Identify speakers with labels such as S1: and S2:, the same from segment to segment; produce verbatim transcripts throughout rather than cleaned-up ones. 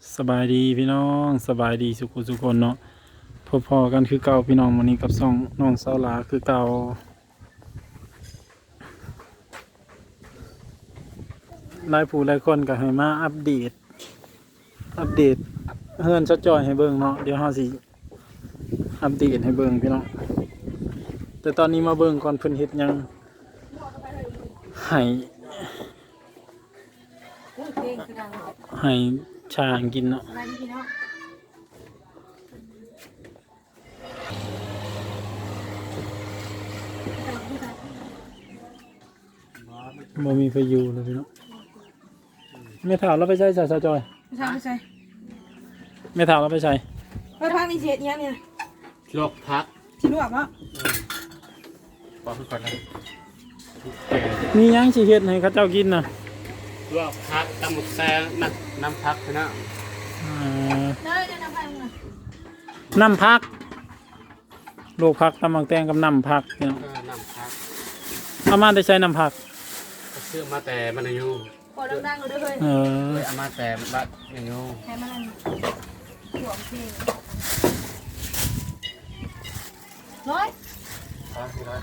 S1: สบายดีพี่น้องสบายดีสุขสุขคนเนาะพอๆกันคือเก่าพี่น้องวันนี้กับซ่องน้องสาวหลาคือเก่าหลายผู้หลายคนก็ให้มาอัปเดตอัปเดตเฮือนชดจอยให้เบิ่งเนาะเดี๋ยวเฮาสิอัปเดตให้เบิ่งพี่น้องแต่ตอนนี้มาเบิ่งก่อนเพิ่นเฮ็ดหยังให้ให้ช้างกินเนาะบ่มีไฟอยู่เลยพี่น้องไม่ถามเราไปใช้สาวจอย
S2: ไม่ใช่ไม่ใช่
S1: ไม่ถามเราไปใช้
S2: ไปพักนี่เสียเนี้ยเนี่ย
S3: ลวกพัก
S2: ชิลวกเนาะ
S3: ปอกก่อนนะ
S1: มีหยังสิเฮ็ดให้เขาเจ้ากินน่ะ
S3: ลวกพักตำหมึกแซ่น้ำน้ำพักนะ
S1: อ่า
S2: ได้ได้น้ำพักนะ
S1: น้ำพักลูกพักตำบักแตงกับน้ำพักพี่น้อง
S3: เออน้ำพัก
S1: เอามาได้ใช้น้ำพัก
S3: ก็ซื้อมาแต่มันอายุ
S2: พอดังๆเลยเฮ้ย
S1: เออ
S3: เลยเอามาแต่บัดอายุ
S2: ใช้มันหวงเพลงร้อย
S3: พักที่ร้อย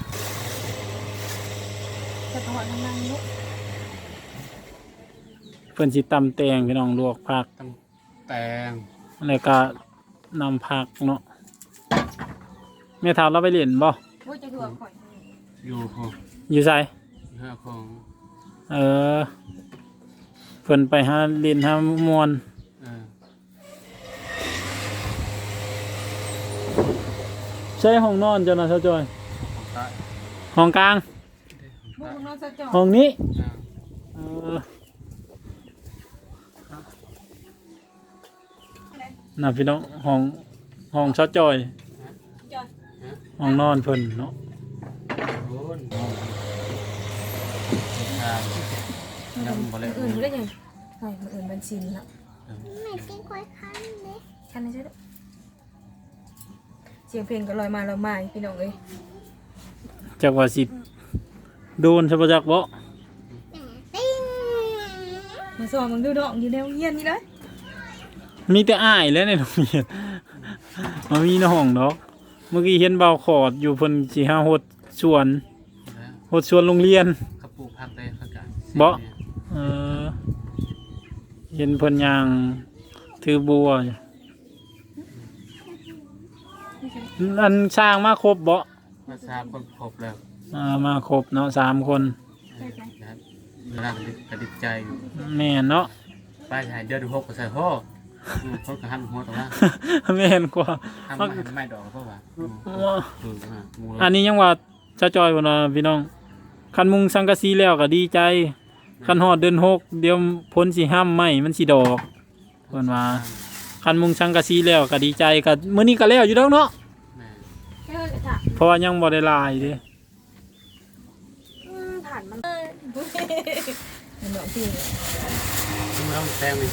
S2: จะถอดน้ำมันนุ๊ก
S1: เพิ่นสิตำแตงพี่น้องลวกพัก
S3: ตำแตง
S1: แล้วก็น้ำพักเนาะแม่ถามเราไปเรียนบ่
S2: ว่าจะถือข่อย
S3: อยู่ของ
S1: อยู่ไส
S3: ห้าของ
S1: เออเพิ่นไปหาเรียนหามวน
S3: เออ
S1: ใช้ห้องนอนเจ้าน่ะเจ้าจอย
S3: ของใต้
S1: ห้องกลาง
S2: บุกนอนสะจอ
S1: ห้องนี้
S3: เออ
S1: เออน่ะพี่น้องห้องห้องชดจอย
S2: จอย
S1: ห้องนอนเพิ่นเนาะ
S3: โอ้ยงามน้ำบ่เลย
S2: อื่นได้ยังใช่มันอื่นเป็นชินละ
S4: ไม่กินควายคันเลย
S2: คันนี้ใช่ไหมเสียงเพลงก็ลอยมาลอยมาพี่น้องเอ้ย
S1: จักว่าสิโดนใช่ปะจักบ่
S4: ติ้ง
S2: มาสอนมึงดูดอกอยู่ในโรงเรียนนี่เลย
S1: มีแต่อ้ายแล้วในโรงเรียนบ่มีในห้องดอกเมื่อกี้เห็นเบาขอดอยู่เพิ่นสิหาหดสวน
S3: แล้ว
S1: หดสวนโรงเรียน
S3: เขาปลูกพักได้พักกัน
S1: บ่ เออเห็นเพิ่นย่างถือบัวอยู่อันสร้างมาครบบ่
S3: มาทราบคนครบแล้ว
S1: อ่ามาครบเนาะสามคน
S3: นะครับเวลากระดิบใจอยู่
S1: แม่นเนาะ
S3: ป้ายหายเดือนหกก็ใส่พ่อพ่อกระหันหัวตรงนั้น
S1: แม่นกว่า
S3: ทำไม่ไม่ดอกเพราะว่าคือมู
S1: อันนี้ยังว่าจะจอยบ่เนาะพี่น้องคันมุงสังกะสีแล้วก็ดีใจคันฮอดเดือนหกเดี๋ยวพ้นสิห้ามไหมมันสิดอกเพิ่นว่าคันมุงสังกะสีแล้วก็ดีใจก็มื้อนี้ก็แล้วอยู่ดอกเนาะ
S3: แม่
S2: แค่เลยค่ะ
S1: เพราะว่ายังบ่ได้ลายเด้
S2: ผ่านมันเห็นดอกที่
S3: ไม่ต้องแซงเลย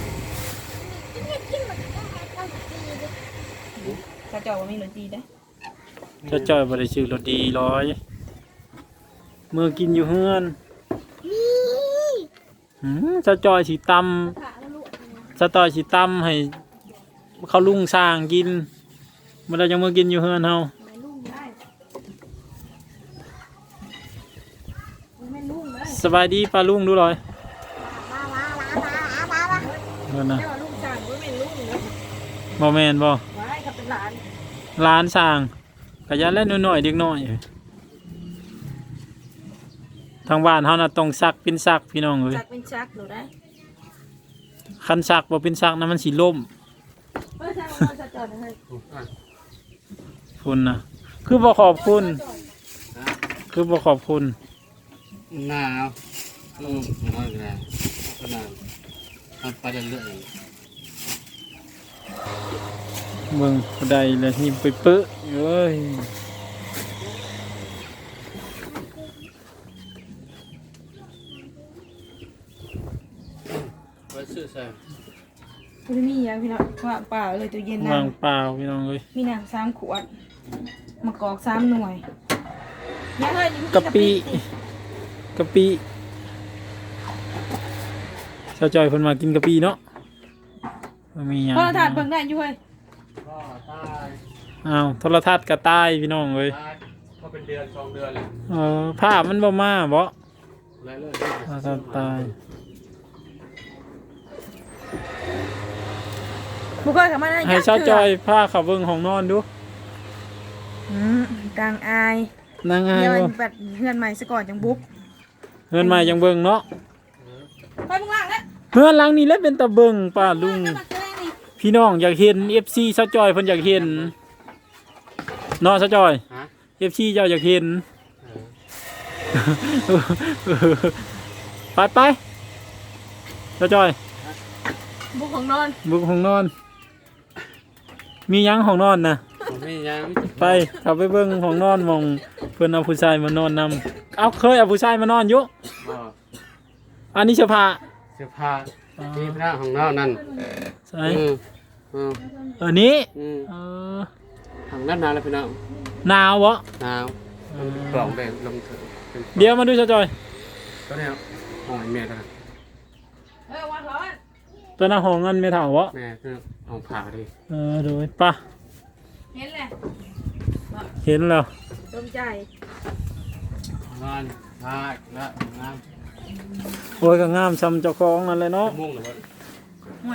S2: กระจอกว่ามีหนตีได้
S1: จะจอยบ่ได้ชื่อรถดีร้อยมื้อกินอยู่เฮือน
S4: นี่
S1: หืมจะจอยสิตำจะจอยสิตำให้เขาลุงสร้างกินบ่ได้จังมื้อกินอยู่เฮือนเฮา
S2: ไม่ลุ่มได้ไม่ลุ่มได้
S1: สบายดีป้าลุงดูหน่อย
S4: ว้าวว้าวว้าวว้าวว้าว
S1: เพิ่นน่ะ
S2: แต่ว่าลุ่มจางก็ไม่ลุ่มเลย
S1: บ่แม่นบ่
S2: ว้ายเขาเป็นหลาน
S1: ร้านสร้างก็ยันเล่นน้อยๆเด็กน้อยทางบ้านเฮาน่ะต้องซักเป็นซักพี่น้องเอ้ย
S2: จักเป็นจักหนูได้
S1: คันซักบ่เป็นซักนะมันสิล่ม
S2: เมื่อเช้าเราจะจอดเลย
S1: คุณน่ะคือบ่ขอบคุณ คือบ่ขอบคุณ
S3: หนาวอืมน้อยกันขนาดมันไปเรื่อย
S1: เบิ่งบ่ได้เลยนี่ไปเปื้อเอ้ย
S3: ไปซื้อใส่
S2: คุณมีอย่างพี่น้องว่าเปล่าเลยตัวเย็น
S1: วา
S2: น้
S1: งเปล่าพี่น้องเอ้ย
S2: ำมีน้ำสามขวดมะกอกสามหน่วยยังไง
S1: กะปิกะปิชาวจอยเพิ่นมากินกะปิเนาะบ่มีหยัง
S2: โทรทัศน์เบิ่งได้อยู่เฮ้ย
S3: ก็ตาย
S1: อ้าวโทรทัศน์ก็ตายพี่น้องเอ้ย
S3: ตายก็เป็นเดือนสองเดือนเลย
S1: เออภาพมันบ่มาบ่
S3: เลยเลย
S1: โทรทัศน์ตาย
S2: บ่เคยเข้ามาได้
S1: ให้เช้าจอยพาเขาเบิ่งห้องนอนดู
S2: อืมดังอาย
S1: นางอาย
S2: เดี๋ยว
S1: บ่
S2: แบบเฮือนใหม่ซะก่อนจังบุ๊บ
S1: เฮือนใหม่ยังเบิ่งเนาะ
S2: ไปมึงล่างแล้ว
S1: เฮือนหลังนี้แหละเป็นตาเบิ่งป้าลุง
S2: จะมาเจอนี่
S1: พี่น้องอยากเห็น เอฟ ซี เช้าจอยเพิ่นอยากเห็นเนาะเช้าจอย
S3: ฮะ
S1: เอฟ ซี เจ้าอยากเห็น
S3: เออ
S1: ไปไปเช้าจอย
S2: บุกของนอน
S1: บุกห้องนอน มีหยังห้องนอนนะ
S3: ผมไม่ยัง
S1: ไปเข้าไปเบิ่งห้องนอนหมองเพิ่นเอาผู้ชายมานอนนำเอาเคยเอาผู้ชายมานอนอยู่
S3: บ่
S1: อันนี้เสื้อผ้า
S3: เสื้อผ้าที่พระของเรานั่น
S1: ใช่
S3: อืมอืม
S1: เออนี้
S3: อืม
S1: เออ
S3: ของด้านหนาวแล้วพี่น้อง
S1: หนาวบ่
S3: หนาวกล่องแบ่งลงถึงเป็น
S1: เดี๋ยวมาดูเช้าจอย
S3: ตัวเนี้ยห้องไอ้แม่ตัวนั้น
S2: เออวันร้อน
S1: ตัวหน้าห้องนั้นไม่เท่าบ่
S3: แม่ตัวห้องผ่าดิ
S1: เออดูป่ะ
S2: เห็นแหละ
S1: เห็นแล้ว
S2: ตรงใจ
S3: นอนพาและงาม
S1: โอ้ยก็งามซ้ำเจ้าของนั่นเลยเนาะ
S3: มุ่งหรือว่า
S2: ห่วย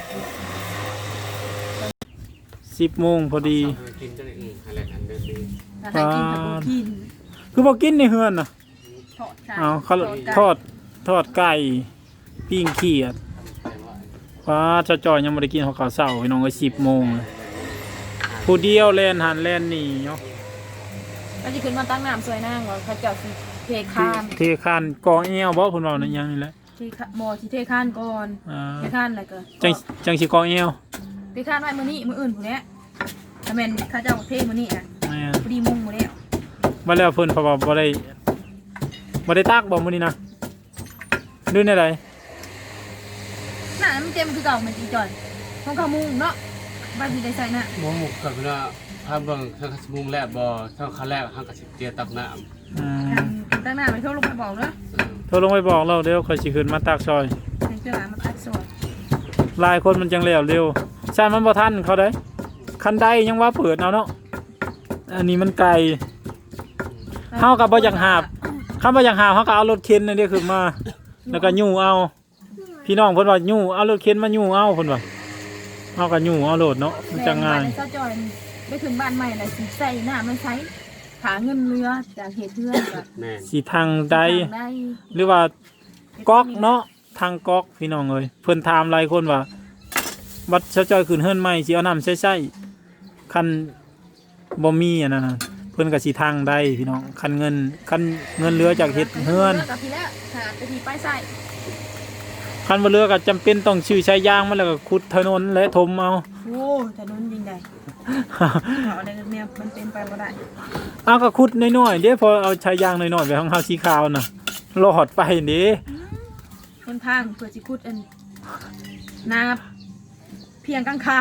S1: สิบโมงพอดี
S3: กินจะได้อืมอะไรกันเดินดี
S2: ถ้าให้กินกับบ่กิน
S1: คือบอกกินในเฮือนน่ะ
S2: ทอดไก่
S1: เอาเขาทอดทอดไก่ปิ้งเขียด
S3: แต่ว่า
S1: ว้าเจ้าจอยยังไม่ได้กินข้าวขาวเช้าพี่น้องก็สิบโมงเลยผู้เดียวแลนหันแลนหนี่เนาะ
S2: ก็จะขึ้นมาตั้งน้ำสวยนางว่าเขาเจ้าสิเทคาน
S1: เทคานกองเอวบ่พุ่นเว้านั่นยังนี่แหละ
S2: เทคาบ่สิเทคานก่อน
S1: อ่า
S2: เทคานอะไรก็
S1: จังจังสิกองเอว
S2: เทคานไว้มื้อนี้มื้ออื่นพุ่นแหละถ้าแม่นเขาเจ้าเทมื้อนี้อ่ะ
S1: แม่
S2: พอดีมุ่งมื้อแล้ว
S1: บ่แล้วเพิ่นเพราะว่าบ่ได้บ่ได้ตากบ่มื้อนี้นะดูในใด
S2: หน้ามันเต็มคือเก่ามันจีจ่อยของเขามุ่งเนาะบ้านสิได้ใส่หน้า
S3: มุ่งหมกกับพี่น้องถ้าเบิ่งถ้าเขามุ่งแรกบ่ถ้าเขาแรกเขาก็สิเตียตับน้ำ
S1: อืม
S2: ตั้งหน้าไปโทรลงไปบอกเนาะ
S1: โทรลงไปบอกเราเดี๋ยวค่อยสิขึ้นมาตากซอย
S2: ให้เจ้าหลานมาตัดสวย
S1: หลายคนมันจังแล้วเร็วใช่มันบ่ทันเขาได้คันใดยังว่าเปิดเอาเนาะอันนี้มันไกลเฮาก็บ่อยากหาบคำบ่อยากหาบเฮาก็เอารถเข็นนั่นเด้ขึ้นมา แล้วก็ยู่เอา พี่น้องเพิ่นว่ายู่เอารถเข็นมายู่เอาเพิ่นว่าเฮาก็ยู่เอาโลดเนาะมันจะง่าย
S2: แม่บ้นเจ้าจอยไปถึงบ้านใหม่น่ะสิใส่หน้ามันใช้หาเงินเรือจากเหตุเพื่อนก็
S3: แม่น
S1: สิทางใด
S2: ทางได้
S1: หรือว่าก๊อกเนาะทางก๊อกพี่น้องเอ้ยเพิ่นถามหลายคนว่าบัดเช้าจ้อยขึ้นเฮือนใหม่สิเอาน้ำใช้ๆคันบ่มีอันนั้นน่ะเพิ่นก็สิทางใดพี่น้องคันเงินคันเงินเหลือจากเฮ็ดเฮือน
S2: กับพี่แล้วหาไปทีป้ายใส่
S1: คันบ่เหลือก็จำเป็นต้องชื่อใช้ยางมันแล้วก็ขุดถนนและถมเอา
S2: โอ้แต่นู้นยิงได้เอาอะไรเนี่ยมันเป็นไปบ่ได้
S1: เอาก็ขุดน้อยๆเด้พอเอาใช้ยางน้อยๆไปของเฮาสีขาวน่ะรอดไปเด้
S2: คนทางเพื่อสิคุดอันนาเพียงกังขา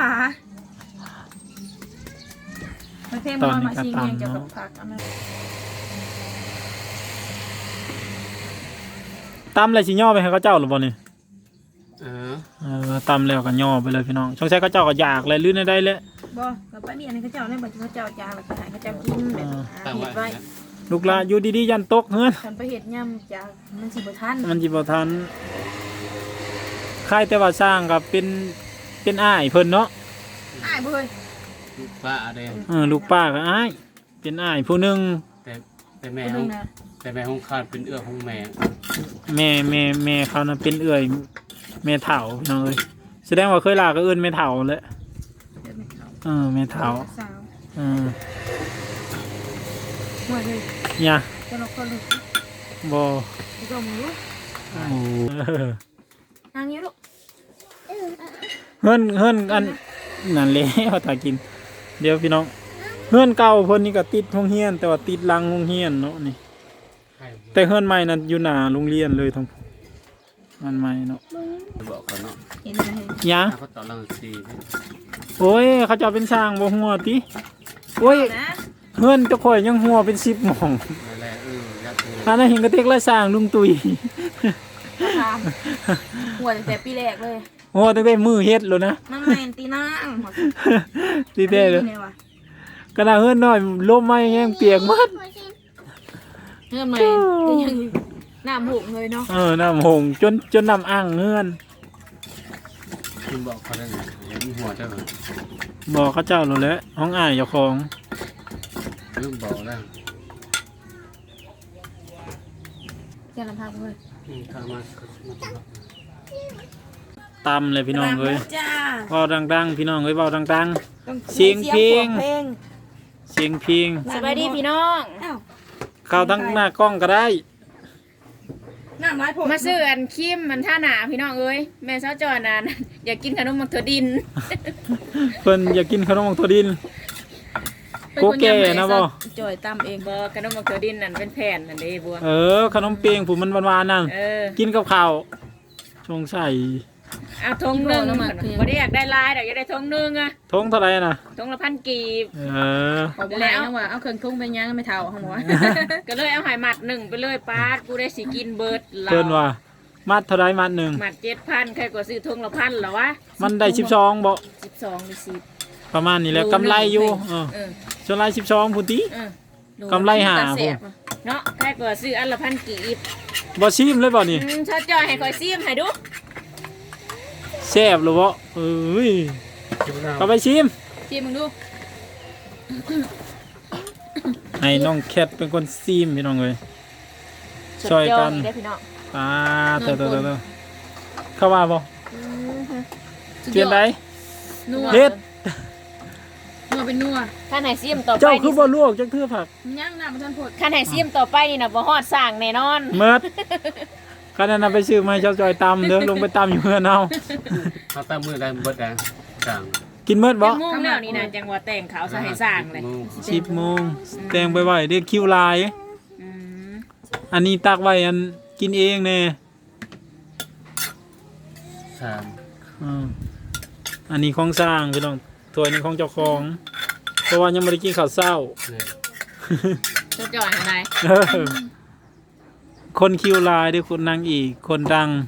S2: ประเทศมันมาชิงเองเกี่ยวกับผักอันนั้น
S1: ตำแล้วสิย่อไปให้เขาเจ้าหรือบ่นี่
S3: เออ
S1: เออตำแล้วก็ย่อไปเลยพี่น้องสงสัยเขาเจ้าก็อยากเลยลื่นได้เลย
S2: บ่กับป้านี่อันนี้เขาเจ้าเนี่ยบอกเขาเจ้าจางแล้วก็ให้เขาเจ้ากินแบบหา
S3: ตั้ง
S2: เห็ด
S3: ไว้
S2: ไว้
S1: ลูกหลานอยู่ดีๆยันตกเฮือน
S2: ฉันไปเห็ดย่ำจากมันสิบ่ทัน
S1: มันสิบ่ทันค่ายแต่ว่าสร้างกับเป็นเป็นอ้ายเพิ่นเนาะ
S2: อ้ายบ่เฮ้ย
S3: ลูกป้าอะไร
S1: เออลูกป้าก็อ้ายเป็นอ้ายผู้หนึง
S3: แต่แต่แม่
S2: คน
S3: ข
S2: นึ
S3: อง
S2: งนะ
S3: แต่แม่ของขาดเป็นเอื้อของแม่
S1: แม่แม่แม่เขาน่ะเป็นเอื้อยแม่เฒ่าพี่น้องเอ้ยแสดงว่าเคยลาก็เอิ้นแม่เฒ่าแหละ
S2: เดี๋ยวไม่เข้า
S1: เออแม่เฒ่า
S2: สาว
S1: เออ
S2: หัวเลย
S1: เนี่ย
S2: จะลอกก็ลูก
S1: บ่
S2: ดูก็มือ
S1: โอ้เออน
S2: างนี้ลูก
S1: เฮือนเฮือนอันนั่นแหละว่าตากิน เดี๋ยวพี่น้องเฮือนเก่าเพิ่นนี่ก็ติดโรงเรียน แต่ว่าติดหลังโรงเรียนเนาะนี่
S3: ใคร
S1: แต่เฮือนใหม่นั้นอยู่หน้าโรงเรียนเลยทั้งมันใหม่เนาะ
S3: บอกเขาเนาะ
S2: เห็นไหม
S1: หยัง
S3: ถ้าเขาต่อรังสีนี่
S1: โอ้ยเขาเจะเป็นช่างบ่หัวติโอ้ย
S2: นะ
S1: เฮือนเจ้าข่อยยังหัวเป็นสิบหม่อง
S3: นั่นแหละเออยักษ์เลย
S1: อันนั้นเห็นกระเตกละสร้างลุงตุย
S2: ถามหัวตั้งแต่ปีแรกเลย
S1: โอ้ตั้งแต่มือเฮ็ดแล้วนะ
S2: มันแมนตีนาง
S1: ตีเด้เลย
S2: นี่ว่ะ
S1: กระดาษเฮือนน้อยลมมาแห้งเปียกหมด
S2: เฮือนใหม่ก็ยังน้ำหุบเลยเนาะ
S1: เออน้ำหงจนจนน้ำอ่างเฮือน
S3: คุณบอกเขาได้ไงเห็นหัวเจ้าเหรอ
S1: บอกเขาเจ้าแล้วแหละห้องอ้ายเจ้าของ
S3: เรื่องบอกแล้ว
S2: แกลำพังเลย
S3: อืมเข้ามามาตลอด
S1: ตำเลยพี่น้องเอ้ย
S2: จ้า
S1: เว้าดังๆพี่น้องเอ้ยเว้าดัง
S2: ต้อง
S1: เสียงเพลง
S2: เพลง
S1: ๆ เสียงเพลง
S2: สบายดีพี่น้องอ้าว
S1: เข้าทั้งหน้ากล้องก็ได้
S2: น้ำไม้ผม
S5: มาซื้ออันคิมมันท่าหนาพี่น้องเอ้ยแม่เช้าจอนาน อยากกินขนมมังถั่วดิน
S1: เพิ่นอยากกินขนมของตัวดิน โกแก่นะบ่
S2: จ่อยตำเอง
S5: บ่ขนมมังถั่วดินนั่นเป็นแผ่นนั่นเด้บัว
S1: เออขนมเปียงผมมันหวานๆนั่น
S5: เออ
S1: กินกับข้าวชงใส่
S5: เอาทงหนึงบ่ได้อยากได้ลายดอกอยากได้ทงหนึงอะ
S1: ทงเท่าไหร่น่ะ
S5: ทงละพันกีบ
S1: เออ
S2: เอาไปแล้วว่าเอาเครื่องทุ่งไปย่างไม่เท่าเขาบอกว่า
S5: ก็เลยเอาใหายหมัดหนึ่งไปเลยปาดกูได้สิกินเบิดเรา
S1: เพิ่นว่ามัดเท่าไหร่มัดหนึ่ง
S5: หมัดเจ็ดพันใครก็ซื้อทงละพันเหรอวะ
S1: มันได้สิบสองบ่
S5: สิบสองหรือสิบ
S1: ประมาณนี้แหละกำไรอยู่เออ
S5: เออ
S1: ส่วนไรสิบสองพุ่นติ
S5: เออก
S1: ำไรหา
S2: ต
S1: พุ่
S2: เสีย
S1: น
S2: บ
S5: เนาะใครก็ซื้ออันละพันกีบ
S1: บ่ชิมเลยบ่นี่
S5: อืมชาจอยให้คอยซิมให้ดู
S1: แซ่บหรือบ่เอ้ย
S3: คิดว่า
S1: ก็ไปชิม
S2: ชิมมึงดู
S1: ให้น้องแคทเป็นคนซิมพี่น้องเอ้ย ช่วยกัน
S5: สุดอดได้อพี่น้อง
S1: อ่าเตอๆๆเข้าว่าบ่
S5: อืมฮึ
S1: เปลี่ยนได้
S2: นัว
S1: เฮ็ด
S2: นัวเป็นนัว
S5: ข้าไหนซิมต่อไป
S1: เจ้าคือ
S5: นี่
S1: บ่ลวกจักเทื่อผัก
S2: ย่างน้ำมันทันผด
S5: ข้าไหนซิมต่อไปนี่นะบ่ฮอดสร้างแน่นอน
S1: เมิดก็นั่นน่ะไปซื้อมาให้เจ้าจอยตำเด้อลงไปตำอยู่เฮือนเอา
S3: เขาตั้งมือได้เบิดแล้วต่าง
S1: กินเมิดบ่
S5: จังโมงแล้วนี่นะจังหวะแต่งขาวสะให้สร้างเลย
S1: สิบโมงแต่งไปไว้เด้คิวลาย
S5: อืม
S1: อันนี้ตักไว้อันกินเองแน่
S3: สาม
S1: อืมอันนี้ของสร้างพี่น้องถ้วยนี้ของเจ้าของ เพราะว่ายังไม่ได้กินข้าวเช้า
S3: เนี่ย
S5: จะจ่อยอะไร
S1: เออคนคิวลายด้วยคนนางอีกคนดัง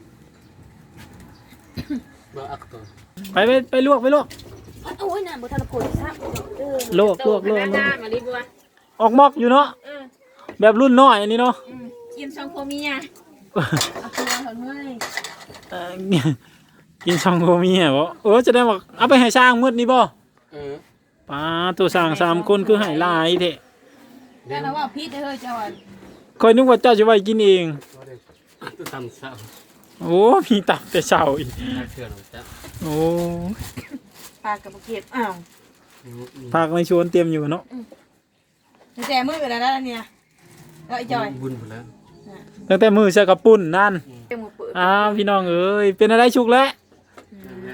S3: บ่อักตัว
S1: ไปไปไปลวกไปลวก
S2: โอ้ยน้ำบุทันผดซับ
S1: ลวกลวกลวกลว
S5: หน้าก มาลิบัว
S1: ออกมอกอยู่เนาะ
S5: เออ
S1: แบบรุ่นน้อยอันนี้เนาะ
S5: อืมกินซองโคเมีย
S2: เอาตัวถอนเมื่อย
S1: เอ่อกินซองโกมีเหรอเออจะได้บอกเอาไปให้สร้างมืดนี่บ่
S3: เออ
S1: ป้าตัวสร้างสามคนคือให้หลายเถอะ
S2: แต่เราว่าพีชเฮ้ยเจ้าอ่ะ
S1: คอยนึกว่าเจ้าจะไว้กินเอง
S3: บ่ได้ตัวตำเศร้า
S1: โอ้มีตับแต่เช้าอีก
S3: น่าเชื่อหรอกจ้ะ
S1: โอ้
S2: ปลากระเก็บอ้าว
S3: อืมอืม
S1: ผักในชวนเตรียมอยู่เนาะ
S2: แจมือไปแล้วนะเนี่ยแล้วไอ้จอย
S3: บุญหมดแล้ว
S1: ตั้งแต่มือใส่กระปุ่นนั่น
S2: เต็มมือเปิด
S1: อ้าวพี่น้องเอ้ยเป็นอะไรชุกแล้ว
S3: ยัง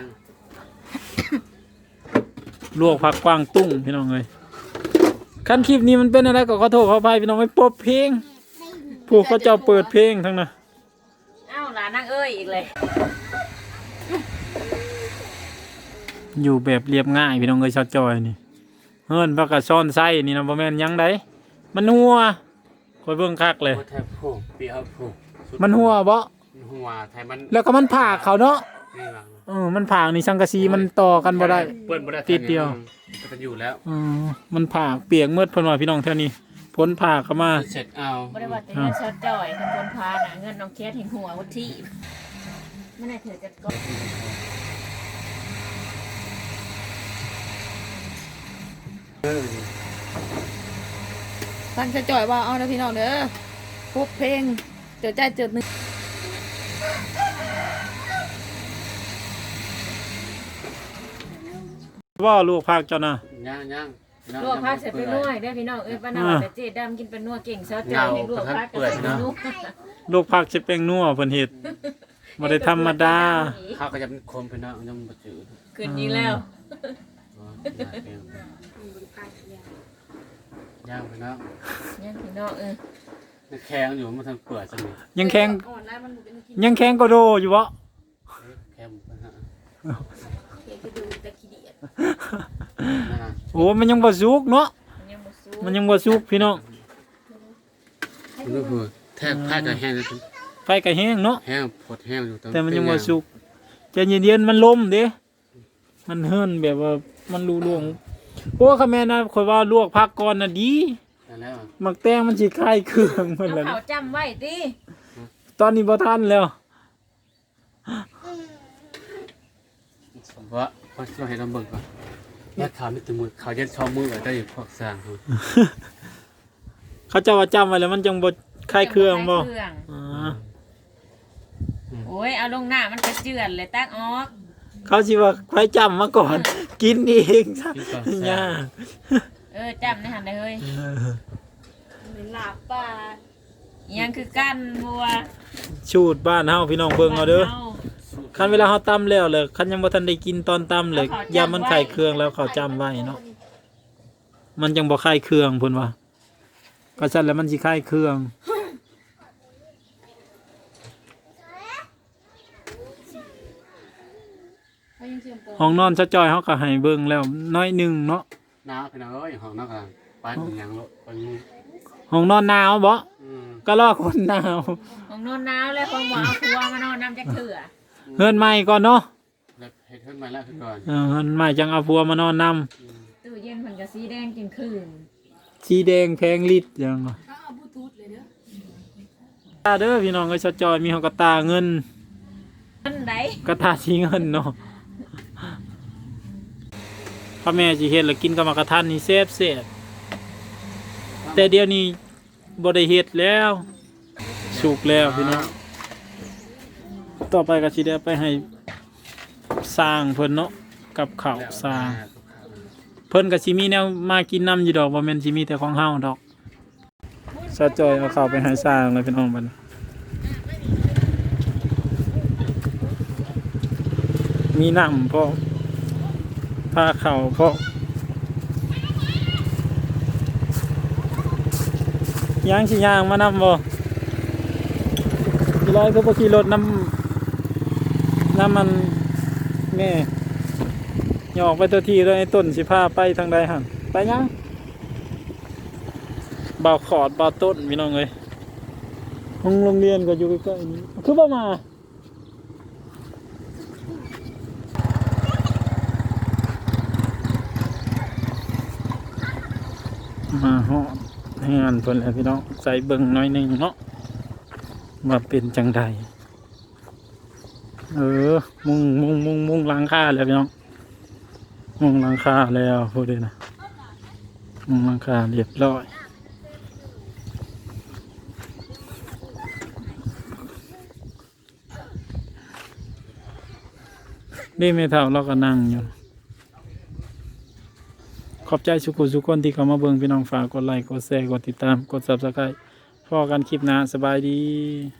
S1: ลวกผักกวางตุ้งพี่น้องเอ้ยขั้นคลิปนี้มันเป็นอะไรก็ขอโทษขออภัยพี่น้องไม่ปบเพลงผู้เขาเจ้าเปิดเพลงทั้งนั้น
S5: เอ้าหลานนางเอ้ยอีกเลย
S1: อยู่แบบเรียบง่ายพี่น้องเอ้ยชาวจอยนี่เฮิรนพักกะซ่อนไส้นี่นะบ่แม่นหยังไดมันหัวคอยเบิ่งคักเลย
S3: บ่แทบผูกปีเอาผูกสุด
S1: มันหัวบ่
S3: หัวไทยมัน
S1: แล้วก็มันผากเขาเนาะ
S3: นี่หลัง
S1: เออมันผากนี่สังกะสีมันต่อกันบ่ได้
S3: เปิ้นบ่ได้
S1: ติดเดียว
S3: ก็จะอยู่แล้ว
S1: เออมันผากเปียกเมืดเพิ่นว่าพี่น้องแถวนี้พ้นผากเข้ามา
S3: เสร็จเอา
S5: บ่ได้ว่าแต่เงินชาจ่อยกับคนพาน่ะเงินน้องแคทแห่งหัววัดที่ไม่ได้เถือจะก็
S2: ฟังจะจ่อยว่าเอานะพี่น้องเด้อปุ๊บเพลงเจอใจเจอหนึ่ง
S1: ว่าลูกผักเจ้าน่ะ
S3: ย่างย่างย่าง
S5: ลวกผักเสร็จไปนวดเด้อพี่น้องเอ้ยป้านาว่าแต่เจ๊ดำกินเป็นนัวเก่งชาจ่อยให้ลวกผักก็ใส่เป็นนัว
S1: ลูกผักสิเป็นนัวเพิ่นเฮ็ดบ่ได้ธรรมดา
S3: ข้าวก็จะเป็นคมไปเนาะยังบ่จืด
S5: ขึ้นอีกแล้ว
S3: อ๋อย่างไปเนาะ
S5: เนี่ยพี่น้องเออ
S3: มันแข็งอยู่มันทำเปื่อยซะนี่
S1: ยังแข็ง
S2: อ่อนแล้วมันเป็นกิน
S1: ยังแข็งก็โดอยู่บ่
S3: แข็งไปฮะ
S2: เกดูตะขี้เดียด
S3: นั่นน่ะ
S1: โอ้มันยังบ่สุกเนาะ
S5: มันยังบ่สู้
S1: มันยังบ่สุกพี่น้อง
S3: มันก็คือแทบผ้าก็แห้งเลย
S1: ไฟก็แห้งเนาะ
S3: แห้งพดแห้งอยู่
S1: แต่มันยังบ่สุกใจเย็นๆมันล้มเด้มันเฮิรนแบบว่ามันรูล่วงโอ้ค่ะแม่นะข่อยว่าลวกผักก่อนน่ะดี
S3: นั่นแล้ว
S1: มักแตงมันสิคลายเครื่องมัน
S5: เอา
S1: แล้ว
S5: เขาจำไว้ติ
S1: ตอนนี้บ่ทันแล้ว
S3: ว่าพอช่วยให้น้ำเบิ่งก่อนแม่ขาวมีแตัวมือขาวเย็นชอบมือได้อยู่พวกสร้างครับ
S1: เขาเจ้าว่าจำไว้แล้วมันจังบ่คลายเครื่องบ่
S5: คลายเครื่อง
S1: อ๋อ
S5: โอ้ยเอาลงหน้ามันกระเจือนเลยตักออก
S1: เขาสิว่าใครจำมาก่อน กินเองซะยาก
S5: เออจำในหันได้เฮ้ย
S2: เป็นหลาบป่า
S5: อิหยังคือกันบัว
S1: ชูดบ้านเฮาพี่น้องเบิ่งเอาเด้อคันเวลาเฮาตำแล้วเลยคันยังบ่ทันได้กินตอนตำเลยยามมันคลายเครื่องแล้วเขาจำไว้เนาะมันจังบ่คลายเครื่องเพิ่นว่าก็ซั่นแล้วมันสิคลายเครื่อง
S2: เขายังเชื่อมต่อ
S1: ห้องนอนซะจอยเฮาก็ให้เบิ่งแล้วน้อยหนึงเนาะ
S3: น้าพี่น้องเอ้ยห้องนักอ่ะไปเป็นหยังโลไปนี่
S1: ห้องนอนหนาวบ่
S3: อืม
S1: ก็รอคนหนาว
S5: ของนอนหนาวเลยของหมอเอาครัวมานอนน้ำจักเถื่อ
S1: เฮือนใหม่ก่อนเนาะ
S3: แล้วเฮ็ดเพิ่นมาแล้วคือก่อน
S1: เออเฮือนใหม่จังเอาผัวมานอนนำ
S3: อืม
S5: ตู้เย็นมันก็สีแดงจนคืน
S1: สีแดงแพงลิตรจังวะ
S2: เขาเอาบลูทูธเลยเด้อ
S1: ตาเด้อพี่น้องเอ้ยซะจอยมีเฮากระตาเงิน
S5: อันใด
S1: กระตาสีเงินเนาะพ่อแม่สิเฮ็ดแล้วกินกับมากระทันนี่แซ่บแซ่บแต่เดี๋ยวนี้บ่ได้เฮ็ดแล้ว สุกแล้วพี่น้องต่อไปก็สิได้ไปให้สร้างเพิ่นเนาะกับข้าวสร้าง เพิ่นก็สิมีแนวมากินน้ำอยู่ดอกบ่แม่นสิมีแต่ของเฮาดอกซะจอยเอาข้าวไปให้สร้างเลยพี่น้องบัดนี้มีน้ำพอพาข้าวพอยังสิย่างมานำบ่พี่ร้อยก็บ่ขี่รถน้ำน้ำมันแม่อย่าออกไปตัวทีด้วยไอ้ต้นสิพาไปทางใดหั่นไปยังบ่าวขอดบ่าวต้นพี่น้องเอ้ยห้องโรงเรียนก็อยู่ใกล้ๆนี้คือบ่มามาฮอดงานเพิ่นแล้วพี่น้องใส่เบิ่งหน่อยหนึงเนาะว่าเป็นจังใดเออมุงมุงมุงมุงหลังคาแล้วพี่น้องมุงหลังคาแล้วพูดเลยนะมุงหลังคาเรียบร้อยนี่ไม่เท่าเราก็นั่งอยู่ขอบใจสุขุสุขคนที่เข้ามาเบิ่งพี่น้องฝากกดไลค์กดแชร์กดติดตามกด ซับสไครบ์ พอกันคลิปหน้าสบายดี